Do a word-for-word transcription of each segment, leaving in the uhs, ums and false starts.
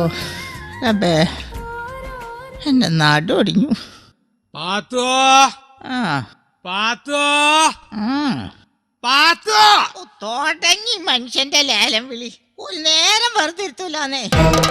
അബേ എന്റെ നാടൊടിഞ്ഞു. പാത്തോ ആ പാത്തോ ആ പാത്തോ തുടങ്ങി മനുഷ്യന്റെ ലേലം വിളി. ഒരു നേരം വെറുതെ ഇരുത്തൂലാന്നേ.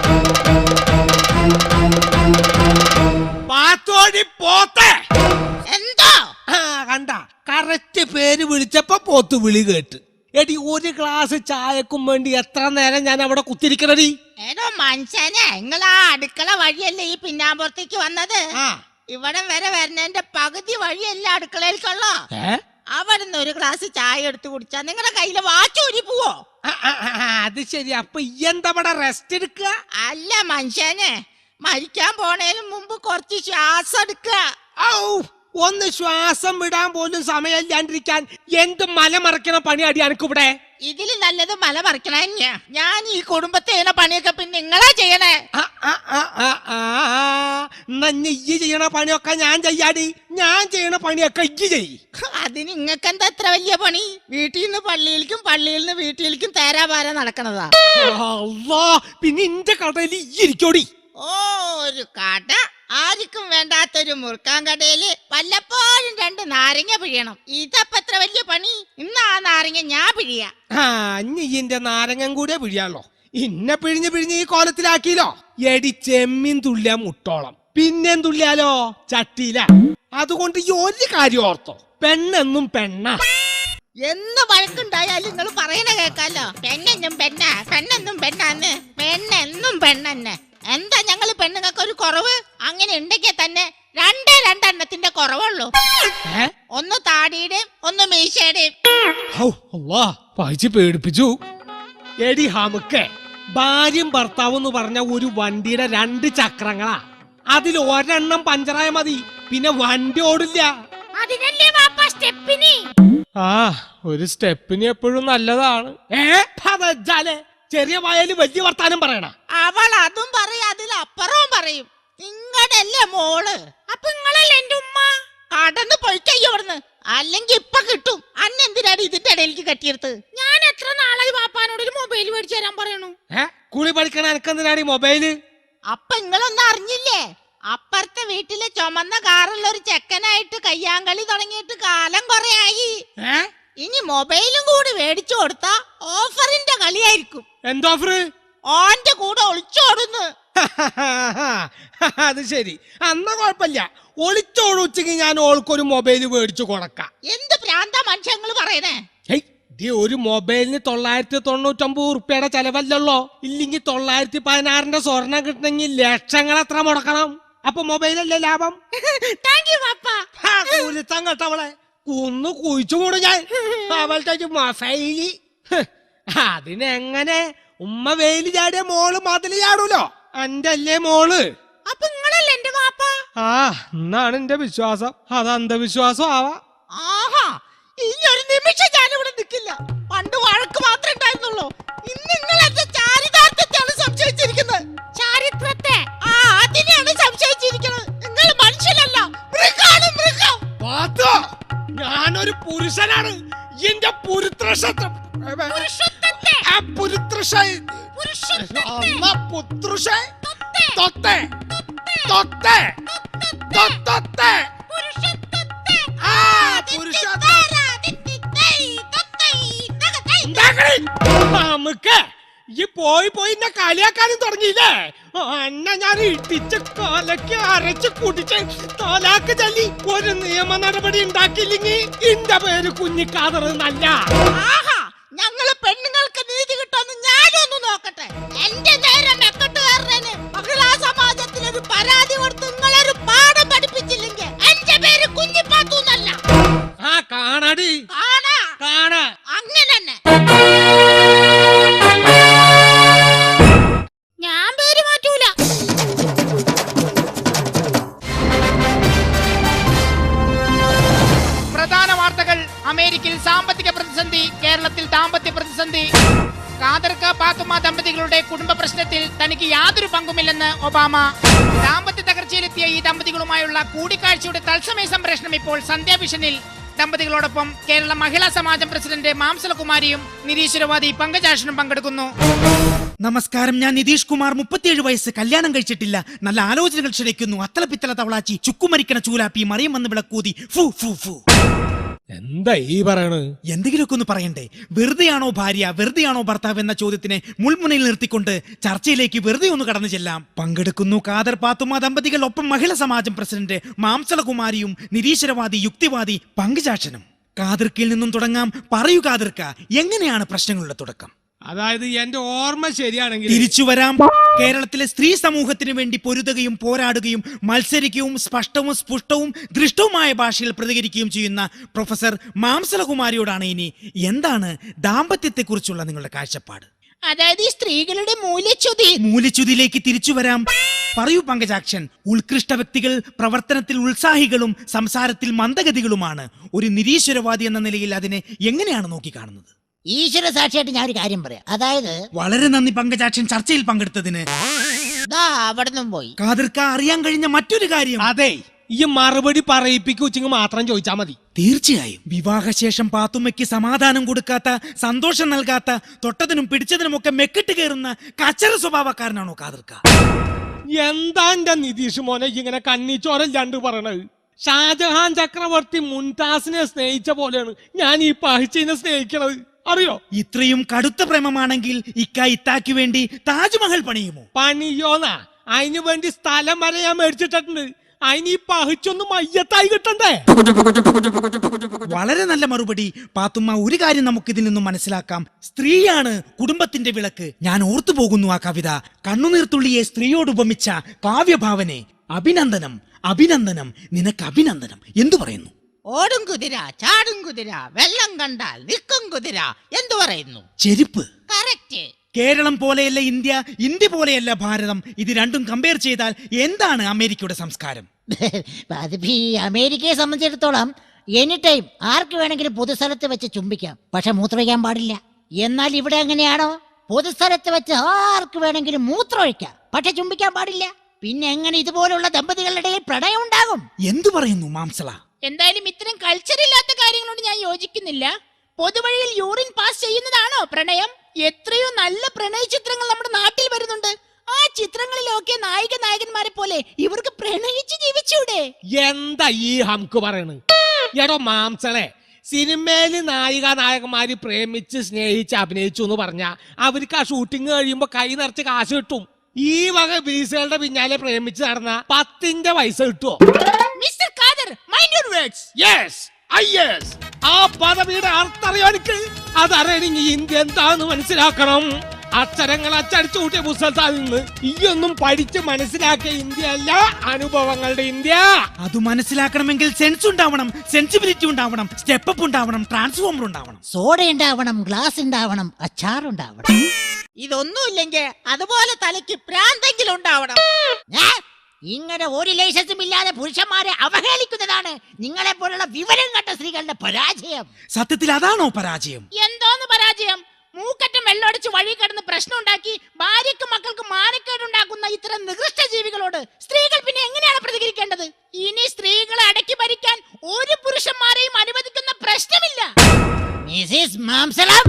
പാത്തോടി പോത്തെ. എന്തോ ആ കണ്ട കറക്റ്റ് പേര് വിളിച്ചപ്പോ പോത്ത് വിളി കേട്ട്. എടി ഒരു ഗ്ലാസ് ചായക്കും വേണ്ടി എത്ര നേരം ഞാൻ അവിടെ കുത്തിരിക്കണടി. ഏടോ മനുഷ്യനെ, നിങ്ങളാ അടുക്കള വഴിയല്ലേ ഈ പിന്നാമ്പുറത്തേക്ക് വന്നത്? ഇവിടം വരെ വരുന്നതിന്റെ പകുതി വഴിയല്ല അടുക്കളയിലേക്കുള്ളോ. അവിടുന്ന് ഒരു ഗ്ലാസ് ചായ എടുത്ത് കുടിച്ചാ നിങ്ങളുടെ കയ്യില് വാച്ചൂരി പോവോ? അത് ശരി. അപ്പൊ ഈ എന്താ ഇവിടെ റെസ്റ്റ് എടുക്കുക? അല്ല മനുഷ്യനെ, മരിക്കാൻ പോണേന് മുമ്പ് കുറച്ച് ശ്വാസം എടുക്കുക. ഒന്ന് ശ്വാസം വിടാൻ പോലും സമയമില്ലാണ്ടിരിക്കാൻ എന്ത് മല മറക്കണ പണി അടി എനിക്കിവിടെ. ഇതില് നല്ലത് മല മറിക്കണ. ഞാൻ ഈ കുടുംബത്തെ ചെയ്യണ പണിയൊക്കെ പിന്നെ നിങ്ങളാ ചെയ്യണേ. ഈ ചെയ്യണ പണിയൊക്കെ ഞാൻ ചെയ്യാടി. ഞാൻ ചെയ്യണ പണിയൊക്കെ ഇജ്ജ് ചെയ്. അതിന് നിങ്ങൾക്ക് എന്താ എത്ര വലിയ പണി? വീട്ടിൽ നിന്ന് പള്ളിയിലേക്കും പള്ളിയിൽ നിന്ന് വീട്ടിലേക്കും തേരാപാര നടക്കണതാ. പിന്നെ ഇന്റെ കടയിൽ ഇരിക്കോടി. ഓ ഒരു കട, ആർക്കും വേണ്ടാത്തൊരു മുറുക്കാൻ കടയില് വല്ലപ്പോഴും രണ്ട് നാരങ്ങ പിഴിയണം. ഇതപ്പ എത്ര വലിയ പണി? ഇന്ന് ആ നാരങ്ങ ഞാൻ പിഴിയാ. ആ ഇന്റെ നാരങ്ങൻ കൂടെ പിഴിയാലോ. ഇന്നെ പിഴിഞ്ഞ് പിഴിഞ്ഞ് ഈ കോലത്തിലാക്കിയില്ലോ. എടി ചെമ്മീൻ തുള്ളിയാ മുട്ടോളം, പിന്നെയും തുള്ളിയാലോ ചട്ടിയില. അതുകൊണ്ട് ഈ ഒരു കാര്യം ഓർത്തോ, പെണ്ണെന്നും പെണ്ണ. എന്ന് വഴക്കുണ്ടായാലും നിങ്ങൾ പറയണ കേക്കാലോ. പെണ്ണെന്നും പെണ്ണ, പെണ്ണെന്നും പെണ്ണാന്ന്. പെണ്ണെന്നും പെണ്ണെന്നെ. എന്താ ഞങ്ങള് പെണ്ണുങ്ങൾക്ക് ഒരു കുറവ്? അങ്ങനെ ഉണ്ടെങ്കിൽ തന്നെ രണ്ടേ രണ്ടെണ്ണത്തിന്റെ കുറവുള്ളൂ. ഒന്ന് താടിയുടെയും ഒന്ന് മീശയുടെയും. വായിച്ച് പേടിപ്പിച്ചു. എടി ഹമുക്കെ, ഭാര്യയും ഭർത്താവും എന്ന് പറഞ്ഞ ഒരു വണ്ടിയുടെ രണ്ട് ചക്രങ്ങളാ. അതിൽ ഒരെണ്ണം പഞ്ചറായ മതി, പിന്നെ വണ്ടി ഓടില്ല. ആ ഒരു സ്റ്റെപ്പിന് എപ്പോഴും നല്ലതാണ്. ഏ പതച്ചാലേ ചെറിയ വായാല് വലിയ വർത്താനം പറയണ. അവൾ അതും പറയും, അതിലപ്പുറവും പറയും. നിങ്ങടല്ലേ മോള്? അപ്പൊ നിങ്ങളല്ലേ എന്റെ ഉമ്മ? കടന്ന് പൊയ്ക്കയ്യോ അവിടുന്ന്, അല്ലെങ്കിൽ ഇപ്പൊ കിട്ടും. അന്നെന്തിനാണ് ഇതിന്റെ ഇടയിലേക്ക് കെട്ടിയെടുത്ത്? ഞാൻ എത്ര നാളായി വാപ്പാനോട് ഒരു മൊബൈൽ മേടിച്ചു തരാൻ പറയണു. ഏ കുളി പഠിക്കണ എനക്കെന്തിനാണ് ഈ മൊബൈല്? അപ്പൊ നിങ്ങളൊന്നും അറിഞ്ഞില്ലേ? അപ്പുറത്തെ വീട്ടിലെ ചുമന്ന കാറുള്ള ഒരു ചെക്കനായിട്ട് കയ്യാങ്കളി തുടങ്ങിയിട്ട് കാലം കൊറേ ആയി. ഇനി മൊബൈലും കൂടി മേടിച്ചു കൊടുത്താ ഓഫറിന്റെ കളിയായിരിക്കും. എന്തോഫർ? ഓന്റെ കൂടെ ഒളിച്ചോടുന്നു. അത് ശരി, അന്ന കുഴപ്പമില്ല. ഒളിച്ചോടുച്ചെങ്കിൽ ഞാൻ ഓൾക്കൊരു മൊബൈൽ മേടിച്ചു കൊടുക്കാം. എന്ത് പ്രാന്താ മനുഷ്യങ്ങൾ പറയണേ? ഒരു മൊബൈലിന് തൊള്ളായിരത്തി തൊണ്ണൂറ്റൊമ്പത് ഉറുപ്പിയുടെ ചെലവല്ലല്ലോ. ഇല്ലെങ്കിൽ തൊള്ളായിരത്തി പതിനാറിന്റെ സ്വർണം കിട്ടണമെങ്കിൽ ലക്ഷങ്ങൾ എത്ര മുടക്കണം? അപ്പൊ മൊബൈലല്ലേ ലാഭം? കേട്ടവളെ കുന്നു കുഴിച്ചുകൂടും ഞാൻ. അവളുടെ മൊബൈലി അതിനെങ്ങനെ ഉമ്മ വെയില് ചാടിയ മോള് മതില് ചാടൂലോ. എന്റെ അല്ലേ മോള്? അപ്പൊ നിങ്ങളല്ലേ എന്റെ വാപ്പ? ആ എന്നാണ് എന്റെ വിശ്വാസം. അത് അന്ധവിശ്വാസം ആവാ. ആഹാ, ഇനി ഒരു നിമിഷം ഞാനിവിടെ നിൽക്കില്ല. പണ്ട് വഴക്ക് മാത്രമേ ഉണ്ടായിരുന്നുള്ളൂ. ഇന്ന് നിങ്ങൾ എന്റെ ചാരിതാർത്ഥത്തെയാണ് സംശയിച്ചിരിക്കുന്നത്. ചാരിത്രത്തെ? ആ അതിനെയാണ് സംശയിച്ചിരിക്കുന്നത്. നിങ്ങൾ മനുഷ്യനല്ല, മൃഗാണ് മൃഗം. ഞാനൊരു പുരുഷനാണ്. എന്റെ പുരുത്രശത്വം നമുക്ക് ഈ പോയി പോയി എന്നെ കളിയാക്കാനും തുടങ്ങിയില്ലേ? എന്നെ ഞാൻ ഇട്ടിച്ച് കൊലക്ക് അരച്ച് കുടിച്ച് തോലാക്ക് ചൊല്ലി ഒരു നിയമ നടപടി ഉണ്ടാക്കിയില്ലെങ്കിൽ എന്റെ പേര് കുഞ്ഞിക്കാതർ നല്ല. ഞങ്ങള് പെണ്ണുങ്ങൾക്ക് നീതി കിട്ടുമെന്ന് ഞാനൊന്ന് നോക്കട്ടെ. എന്റെ നേരെ മെക്കെട്ടുകാരന് മഹിളാ സമാജത്തിൽ ഒരു പരാതി കൊടുത്ത് നിങ്ങളൊരു പാഠം പഠിപ്പിച്ചില്ലെങ്കിൽ എന്റെ പേര് കുഞ്ഞിപ്പാത്തു എന്നല്ല. ആ കാണാടി, കാണാ കാണാ. അങ്ങനെ തന്നെ ഞാൻ പേര് മാറ്റൂല. പ്രധാന വാർത്തകൾ. അമേരിക്കയിൽ സാമ്പത്തിക പ്രതിസന്ധി, കേരളത്തിൽ ദാമ്പത്യ പ്രതിസന്ധി. ഖാദർക്ക പാത്തുമ്മ ദമ്പതികളുടെ കുടുംബ പ്രശ്നത്തിൽ തനിക്ക് യാതൊരു പങ്കുമില്ലെന്ന് ഒബാമ. ദാമ്പത്യ തകർച്ചയിലെത്തിയ ഈ ദമ്പതികളുമായുള്ള കൂടിക്കാഴ്ചയുടെ തത്സമയ സംപ്രേഷണം ഇപ്പോൾ സന്ധ്യാഭിഷനിൽ. ദമ്പതികളോടൊപ്പം കേരള മഹിളാ സമാജം പ്രസിഡന്റ് മാംസലകുമാരിയും നിരീശ്വരവാദി പങ്കജാക്ഷനും പങ്കെടുക്കുന്നു. നമസ്കാരം, ഞാൻ നിതീഷ് കുമാർ, മുപ്പത്തിയേഴ് വയസ്സ്, കല്യാണം കഴിച്ചിട്ടില്ല. നല്ല ആലോചനകൾ ക്ഷണിക്കുന്നു. അത്തല പിത്തല തവളാച്ചി, ചുക്കുമരിക്കണ ചൂലാപ്പി, മറിയം വന്ന് വിളക്കൂതി. ഫു ഫു ഫു. എന്താ ഈ പറയണ്? എന്തെങ്കിലുമൊക്കെ ഒന്ന് പറയണ്ടേ? വെറുതെയാണോ ഭാര്യ, വെറുതെയാണോ ഭർത്താവ് എന്ന ചോദ്യത്തിനെ മുൾമുനയിൽ നിർത്തിക്കൊണ്ട് ചർച്ചയിലേക്ക് വെറുതെ ഒന്ന് കടന്നു ചെല്ലാം. പങ്കെടുക്കുന്നു ഖാദർ പാത്തുമ്മ ദമ്പതികൾ, ഒപ്പം മഹിളാ സമാജം പ്രസിഡന്റ് മാംസലകുമാരിയും നിരീശ്വരവാദി യുക്തിവാദി പങ്കജാക്ഷനും. ഖാദർക്കിൽ നിന്നും തുടങ്ങാം. പറയൂ ഖാദർക്ക, എങ്ങനെയാണ് പ്രശ്നങ്ങളുടെ തുടക്കം? അതായത് എന്റെ ഓർമ്മ ശരിയാണെങ്കിൽ തിരിച്ചു വരാം. കേരളത്തിലെ സ്ത്രീ സമൂഹത്തിന് വേണ്ടി പൊരുതുകയും പോരാടുകയും മത്സരിക്കുകയും സ്പഷ്ടവും സ്പുഷ്ടവും ദൃഷ്ടവുമായ ഭാഷയിൽ പ്രതികരിക്കുകയും ചെയ്യുന്ന പ്രൊഫസർ മാംസലകുമാരിയോടാണ് ഇനി എന്താണ് ദാമ്പത്യത്തെക്കുറിച്ചുള്ള നിങ്ങളുടെ കാഴ്ചപ്പാട്? അതായത് ഈ സ്ത്രീകളുടെ മൂല്യച്യുതി. മൂല്യച്യുതിയിലേക്ക് തിരിച്ചു വരാം. പറയൂ പങ്കജാക്ഷൻ. ഉത്കൃഷ്ട വ്യക്തികൾ പ്രവർത്തനത്തിൽ ഉത്സാഹികളും സംസാരത്തിൽ മന്ദഗതികളുമാണ്. ഒരു നിരീശ്വരവാദി എന്ന നിലയിൽ അതിനെ എങ്ങനെയാണ് നോക്കിക്കാണുന്നത്? ഈശ്വര സാക്ഷിയായിട്ട് ഞാൻ ഒരു കാര്യം പറയാം. അതായത് വളരെ നന്ദി പങ്കജാക്ഷൻ ചർച്ചയിൽ പങ്കെടുത്തതിന്. ദാ അവിടുന്നും പോയി. ഖാദർക്ക, അറിയാൻ കഴിഞ്ഞ മറ്റൊരു കാര്യം. അതെ, ഈ മറുപടി പറയിപ്പിക്കുച്ചെങ്കിൽ മാത്രം ചോദിച്ചാ മതി. തീർച്ചയായും വിവാഹശേഷം പാത്തുമ്മയ്ക്ക് സമാധാനം കൊടുക്കാത്ത, സന്തോഷം നൽകാത്ത, തൊട്ടതിനും പിടിച്ചതിനുമൊക്കെ മെക്കിട്ട് കയറുന്ന കച്ചറ സ്വഭാവക്കാരനാണോ ഖാദർക്ക? എന്താ എന്റെ നിതീഷ് മോനെ ഇങ്ങനെ കണ്ണിച്ചോരല്ലാണ്ട് പറയണത്? ഷാജഹാൻ ചക്രവർത്തി മുംതാസിനെ സ്നേഹിച്ച പോലെയാണ് ഞാൻ ഈ പഹിച്ചിനെ സ്നേഹിക്കണത്, അറിയോ? ഇത്രയും കടുത്ത പ്രേമമാണെങ്കിൽ ഇക്ക ഇത്താക്ക് വേണ്ടി താജ്മഹൽ പണിയുമോ? പണിയോന്നാ? അതിനു വേണ്ടി സ്ഥലം വരെ ഞാൻ മേടിച്ചിട്ടുണ്ട്. അതിന് ഈ പഹിച്ചൊന്ന് മയ്യത്തായി കിട്ടണ്ടേ? വളരെ നല്ല മറുപടി പാത്തുമ്മ. ഒരു കാര്യം നമുക്ക് ഇതിൽ നിന്നും മനസ്സിലാക്കാം. സ്ത്രീയാണ് കുടുംബത്തിന്റെ വിളക്ക്. ഞാൻ ഓർത്തു പോകുന്നു ആ കവിത. കണ്ണുനീർത്തുള്ളിയെ സ്ത്രീയോട് ഉപമിച്ച കാവ്യഭാവനെ. അഭിനന്ദനം, അഭിനന്ദനം, നിനക്ക് അഭിനന്ദനം. എന്തു പറയുന്നു? ഓടും കുതിര, ചാടും കുതിര, വെള്ളം കണ്ടാൽ നിൽക്കും കുതിര, എന്തു പറയുന്നു? ചെരുപ്പ്. കറക്റ്റ്. കേരളം പോലെയല്ല ഇന്ത്യ, ഇന്ത്യ പോലെയല്ല ഭാരതം. ഇത് രണ്ടും കമ്പയർ ചെയ്താൽ എന്താണ് അമേരിക്കയുടെ സംസ്കാരം? അതിപ്പോ ഈ അമേരിക്കയെ സംബന്ധിച്ചിടത്തോളം എനി ടൈം ആർക്ക് വേണമെങ്കിലും പൊതുസ്ഥലത്ത് വെച്ച് ചുംബിക്കാം, പക്ഷെ മൂത്രമൊഴിക്കാൻ പാടില്ല. എന്നാൽ ഇവിടെ എങ്ങനെയാണോ? പൊതുസ്ഥലത്ത് വെച്ച് ആർക്ക് വേണമെങ്കിലും മൂത്രമൊഴിക്കാം, പക്ഷെ ചുംബിക്കാൻ പാടില്ല. പിന്നെ എങ്ങനെ ഇതുപോലുള്ള ദമ്പതികളുടെ ഇടയിൽ പ്രണയം ഉണ്ടാകും? എന്തു പറയുന്നു മാംസള? എന്തായാലും ഇത്തരം കൾച്ചർ ഇല്ലാത്ത കാര്യങ്ങളോട് ഞാൻ യോജിക്കുന്നില്ല. പൊതുവഴിയിൽ യൂറിൻ പാസ് ചെയ്യുന്നതാണോ പ്രണയം? എത്രയോ നല്ല പ്രണയ ചിത്രങ്ങൾ നമ്മുടെ നാട്ടിൽ വരുന്നുണ്ട്. ആ ചിത്രങ്ങളിലൊക്കെ നായിക നായകന്മാരെ പോലെ ഇവർക്ക് പ്രണയിച്ച് ജീവിച്ചൂടെ? എന്താ ഈ ഹംക്ക് പറയണ്? എടോ മാംസളെ, സിനിമയില് നായിക നായകന്മാര് പ്രേമിച്ച് സ്നേഹിച്ച് അഭിനയിച്ചു എന്ന് പറഞ്ഞാ അവർക്ക് ആ ഷൂട്ടിംഗ് കഴിയുമ്പോ കൈ നിറച്ച് കാശ് കിട്ടും. ഈ വക ബീസുകളുടെ പിന്നാലെ പ്രേമിച്ച് നടന്ന പത്തിന്റെ പൈസ കിട്ടുമോ? Mister Khader, mind your words. Yes, I yes. ആ പദവിയുടെ അർത്ഥറിയോ എനിക്ക്? അതറിയണമെങ്കിൽ ഇന്ത്യ എന്താന്ന് മനസ്സിലാക്കണം. അക്ഷരങ്ങൾ അച്ചടിച്ചു കൂട്ടിയ പുസ്തകത്തിൽ നിന്ന് ഈയൊന്നും പഠിച്ച് മനസ്സിലാക്കിയ ഇന്ത്യ അല്ല അനുഭവങ്ങളുടെ ഇന്ത്യ. അത് മനസ്സിലാക്കണമെങ്കിൽ സെൻസ് ഉണ്ടാവണം, സെൻസിബിലിറ്റി ഉണ്ടാവണം, സ്റ്റെപ്പ് അപ്പ് ഉണ്ടാവണം, ട്രാൻസ്ഫോമർ ഉണ്ടാവണം, സോഡ ഉണ്ടാവണം, ഗ്ലാസ് ഉണ്ടാവണം, അച്ചാർ ഉണ്ടാവണം. ഇതൊന്നുമില്ലെങ്കിൽ അതുപോലെ തലയ്ക്ക് പ്രാന്തെങ്കിലും ഉണ്ടാവണം. ഏ? ഇങ്ങനെ ഒരു ലൈസൻസും ഇല്ലാതെ പുരുഷന്മാരെ അവഹേളിക്കുന്നതാണ് നിങ്ങളെ പോലുള്ള വിവരം കെട്ട സ്ത്രീകളുടെ പരാജയം. സത്യത്തിൽ അതാണോ പരാജയം? എന്തോന്ന് പരാജയം? മൂക്കറ്റം വെള്ളമടിച്ച് വഴി കിടന്ന് പ്രശ്നം ഉണ്ടാക്കി ഭാര്യക്കും മക്കൾക്കും മാനക്കേടുണ്ടാക്കുന്ന ഇത്തരം നികൃഷ്ട ജീവികളോട് സ്ത്രീകൾ പിന്നെ എങ്ങനെയാണ് പ്രതികരിക്കേണ്ടത്? ഇനി സ്ത്രീകളെ അടക്കി ഭരിക്കാൻ ഒരു പുരുഷന്മാരെയും അനുവദിക്കുന്ന പ്രശ്നമില്ല. മിസിസ് മാംസളം,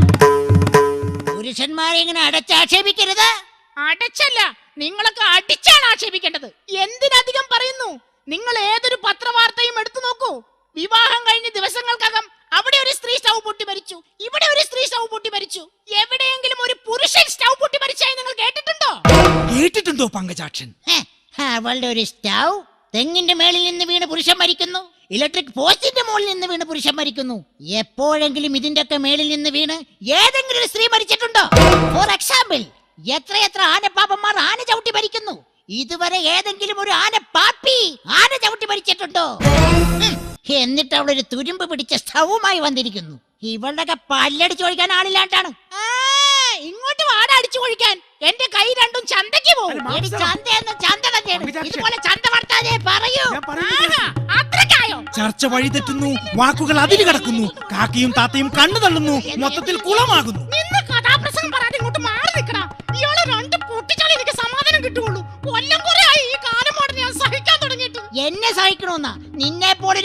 പുരുഷന്മാരെ ഇങ്ങനെ അടച്ചാക്ഷേപിക്കരുത്. അടച്ചല്ല, നിങ്ങളൊക്കെ അടിച്ചാണ് ആക്ഷേപിക്കേണ്ടത്. എന്തിനധികം പറയുന്നു? നിങ്ങൾ ഏതൊരു പത്രവാർത്തയും എടുത്തു നോക്കൂ. വിവാഹം കഴിഞ്ഞ ദിവസങ്ങൾക്കകം അവിടെ ഒരു സ്ത്രീ സ്റ്റൗ പൊട്ടി മരിച്ചു, ഇവിടെ ഒരു സ്ത്രീ സ്റ്റൗ പൊട്ടി മരിച്ചു. എവിടെയെങ്കിലും ഒരു പുരുഷൻ സ്റ്റൗ പൊട്ടി മരിച്ചായി നിങ്ങൾ കേട്ടിട്ടുണ്ടോ? കേട്ടിട്ടുണ്ടോ പങ്കജാക്ഷൻ? ഹെ, അവളുടെ ഒരു സ്റ്റൗ തെങ്ങിന്റെ മേളിൽ നിന്ന് വീണ് പുരുഷൻ മരിക്കുന്നു, ഇലക്ട്രിക് പോസ്റ്റിന്റെ മുകളിൽ നിന്ന് വീണ് പുരുഷൻ മരിക്കുന്നു. എപ്പോഴെങ്കിലും ഇതിന്റെ ഒക്കെ മേളിൽ നിന്ന് വീണ് ഏതെങ്കിലും ഒരു സ്ത്രീ മരിച്ചിട്ടുണ്ടോ? ഫോർ എക്സാമ്പിൾ, എത്രയെത്ര ആനപ്പാപ്പന്മാർ ആന ചവിട്ടി മരിക്കുന്നു. ഇതുവരെ ഏതെങ്കിലും ഒരു ആന പാപ്പി ആന ചവിട്ടി മരിച്ചിട്ടുണ്ടോ? എന്നിട്ട് അവളൊരു തുരുമ്പ് പിടിച്ച സ്റ്റൗവുമായി വന്നിരിക്കുന്നു. ഇവളുടെ പല്ലടിച്ചു ഒഴിക്കാൻ ആളില്ലാണ്ടാണ്. ഇങ്ങോട്ട് വാട അടിച്ചു ഒഴിക്കാൻ. എന്റെ കൈ രണ്ടും ചന്തയ്ക്ക് പോകും. ചന്ത ചന്ത തന്നെയാണ്. ഇതുപോലെ ചന്ത വർത്താനേ പറയൂ. അത്രക്കായോ? ചർച്ച വഴി തെറ്റുന്നു, വാക്കുകൾ അതിര് കടക്കുന്നു, കാക്കയും താത്തയും കണ്ണു തള്ളുന്നു, മൊത്തത്തിൽ കുളമാകുന്നു. നിന്ന് കഥാപ്രസംഗം പറയാതെ ഇങ്ങോട്ട് മാറി നിൽക്കണം. ഇയാളെ രണ്ട് പൊട്ടിച്ചാലേ എനിക്ക് സമാധാനം കിട്ടുള്ളൂ. കൊല്ലം കുറെ ആയി ഈ കാലം മോഡൽ ഞാൻ സഹിക്കാൻ തുടങ്ങിയിട്ട്. എന്നെ സഹിക്കണമെന്നാ? നിന്നെ പോലൊരു ഭൂതനെ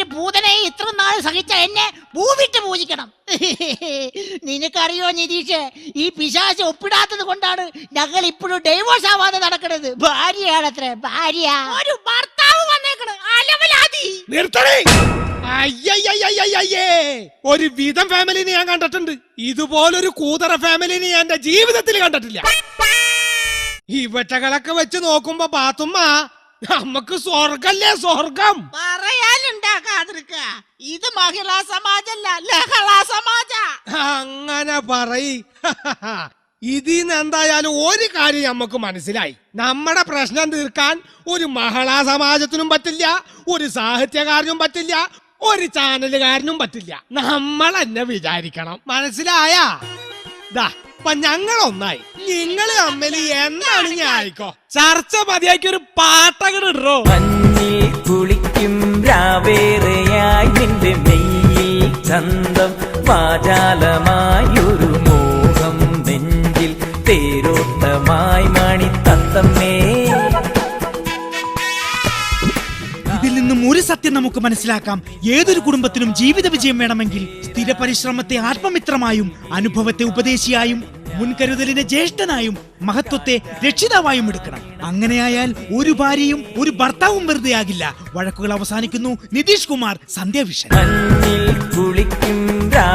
അങ്ങനെ ഇത്ര നാൾ സഹിച്ച എന്നെ ഭൂവിട്ട് പൂജിക്കണം. നിനക്കറിയോ നിതീഷ്, ഈ പിശാച് ഒപ്പിടാത്തത് കൊണ്ടാണ് ഞങ്ങൾ ഇപ്പോഴും ഡൈവോഴ്സ് ആവാതെ നടക്കുന്നത്. ഭാര്യയാണത്രേ, ഭാര്യ. ഒരു ഭർത്താവ് വന്നേക്കണ് അലവലാതി. നിർത്തണേ. അയ്യയ്യയ്യയ്യയ്യേ. ഒരു വിധം ഫാമിലിനെ ഞാൻ കണ്ടിട്ടുണ്ട്, ഇതുപോലൊരു കൂതറ ഫാമിലിനെ ഞാൻ എന്റെ ജീവിതത്തിൽ കണ്ടിട്ടില്ല. ഇവറ്റകളൊക്കെ വെച്ച് നോക്കുമ്പോ പാത്തുമ്മ നമുക്ക് സ്വർഗല്ലേ സ്വർഗം. പറയാനുണ്ടാക്കാതിരിക്ക, ഇത് മഹിളാ സമാജല്ല, ലഹളാ സമാജ. അങ്ങനെ പറയ്. ഇതിന്ന് എന്തായാലും ഒരു കാര്യം നമുക്ക് മനസ്സിലായി, നമ്മുടെ പ്രശ്നം തീർക്കാൻ ഒരു മഹിളാ സമാജത്തിനും പറ്റില്ല, ഒരു സാഹിത്യകാരനും പറ്റില്ല, ഒരു ചാനലുകാരനും പറ്റില്ല. നമ്മൾ എന്നെ വിചാരിക്കണം. മനസ്സിലായ? ദാ അപ്പൊ ഞങ്ങൾ ഒന്നായി, നിങ്ങള് തമ്മിൽ എന്താണ് ഞാൻ ആയിക്കോ ചർച്ച മതിയാക്കി ഒരു പാട്ടകട് ഇടോ. മഞ്ഞിൽ കുളിക്കും രാവേറെയായി നിന്റെ മെയ്യിൽ ചന്തം വാചാലമായൊരു മോഹം നെഞ്ചിൽ തേരോട്ടമായി മണി തത്തമ്മേ. ഇതിൽ നിന്നും ഒരു സത്യം നമുക്ക് മനസ്സിലാക്കാം. ഏതൊരു കുടുംബത്തിനും ജീവിത വിജയം വേണമെങ്കിൽ സ്ഥിര പരിശ്രമത്തെ ആത്മമിത്രമായും അനുഭവത്തെ ഉപദേശിയായും മുൻകരുതലിനെ ജ്യേഷ്ഠനായും മഹത്വത്തെ രക്ഷിതാവായും എടുക്കണം. അങ്ങനെയായാൽ ഒരു ഭാര്യയും ഒരു ഭർത്താവും വെറുതെ ആകില്ല. വഴക്കുകൾ അവസാനിക്കുന്നു. നിതീഷ് കുമാർ, സന്ധ്യാവിഷൻ. മഞ്ഞിൽ കുളിക്കും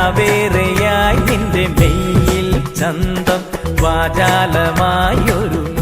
രാവേറെയായി നിന്റെ മെയ്യിൽ ചന്തം വാചാലമായൊരു